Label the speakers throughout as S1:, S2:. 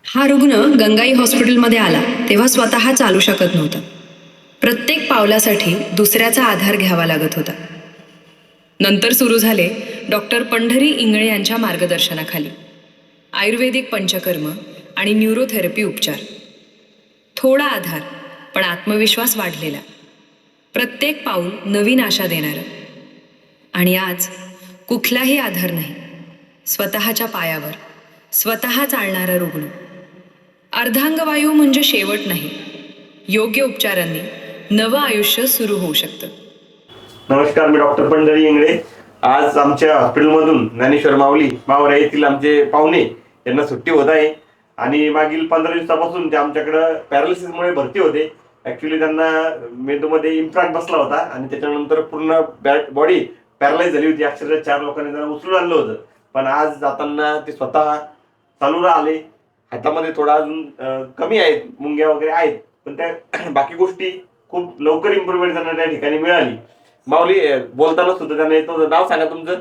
S1: हा रुग्ण गंगाई हॉस्पिटलमध्ये आला तेव्हा स्वतः चालू शकत नव्हता. प्रत्येक पावलासाठी दुसऱ्याचा आधार घ्यावा लागत होता. नंतर सुरू झाले डॉक्टर पंढरी इंगळे यांच्या मार्गदर्शनाखाली आयुर्वेदिक पंचकर्म आणि न्यूरोथेरपी उपचार. थोडा आधार पण आत्मविश्वास वाढलेला. प्रत्येक पाऊल नवीन आशा देणारं. आणि आज कुठलाही आधार नाही, स्वतःच्या पायावर स्वतः चालणारा रुग्ण. अर्धांगवायू म्हणजे शेवट नाही, योग्य उपचारांनी नवं आयुष्य सुरू होऊ शकतं.
S2: नमस्कार, मी डॉक्टर पंढरी इंगळे. आज आमच्या हॉस्पिटलमधून ज्ञानेश्वर माऊली मावरा येथील आमचे पाहुणे यांना सुट्टी होत आहे आणि मागील 15 दिवसापासून ते आमच्याकडं पॅरालिसिसमुळे भरती होते. ॲक्च्युली त्यांना मेंदूमध्ये इम्प्लांट बसला होता आणि त्याच्यानंतर पूर्ण बॉडी पॅरालाइज झाली होती. अक्षरशः 4 लोकांनी त्यांना उचलून आणलं होतं. पण आज जाताना ते स्वतः चालू आले. हातामध्ये थोडा अजून कमी आहेत, मुंग्या वगैरे आहेत, पण त्या बाकी गोष्टी खूप लवकर इम्प्रूव्हमेंट त्यांना त्या ठिकाणी मिळाली. माऊली, बोलताना सुद्धा त्यांना येतो. नाव सांगा तुमचं.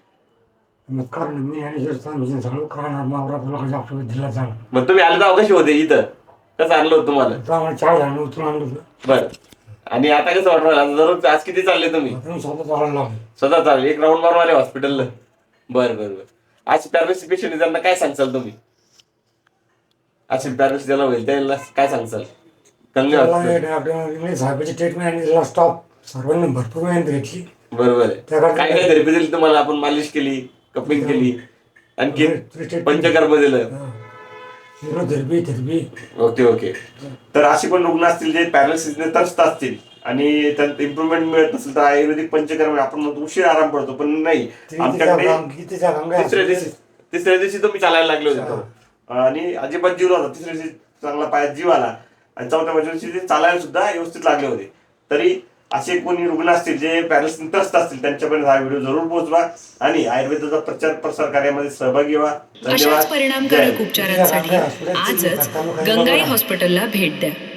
S2: मग तुम्ही आले तर कशी होते इथं? कसं आणलं होतं तुम्हाला? बरं. आणि आता कसं वाटलं? दररोज आज किती चालले तुम्ही? स्वतः चालले. एक राऊंड मारून आले हॉस्पिटलला. बरं बरं बरं. आज पॅरालिसिस पेशंट त्यांना काय सांगचाल तुम्ही? असे पॅरालिसिस ज्याला होईल त्याला काय सांगचाल?
S3: सर्वांनी भरपूर मेहनत घेतली.
S2: बरोबर आहे. काय काय थेरपी दिली तुम्हाला? आपण मालिश केली, कपिंग केली, आणखी पंचकर्म दिलं. Okay okay. तर अशी पण रुग्ण असतील जे पॅरालिसिसने त्रस्त असतील आणि त्यात इम्प्रूव्हमेंट मिळत नसेल तर आयुर्वेदिक पंचकर्म आपण म्हणतो उशीर आराम पडतो, पण नाही. आमच्याकडे तिसऱ्या दिवशी तुम्ही चालायला लागले होते आणि अजिबात जीव होता. तिसऱ्या दिवशी चांगला पायात जीव आला आणि 4थ्या दिवशी ते चालायला सुद्धा व्यवस्थित लागले होते. तरी असे कोणी रुग्ण असतील जे पॅरालिसिस त्रस्त असतील त्यांच्यापर्यंत हा व्हिडिओ जरूर पोहोचवा आणि आयुर्वेदाचा प्रचार प्रसार कार्यामध्ये सहभागी व्हा.
S1: अशाच परिणामकारक उपचारांसाठी आजच गंगाई हॉस्पिटलला भेट द्या.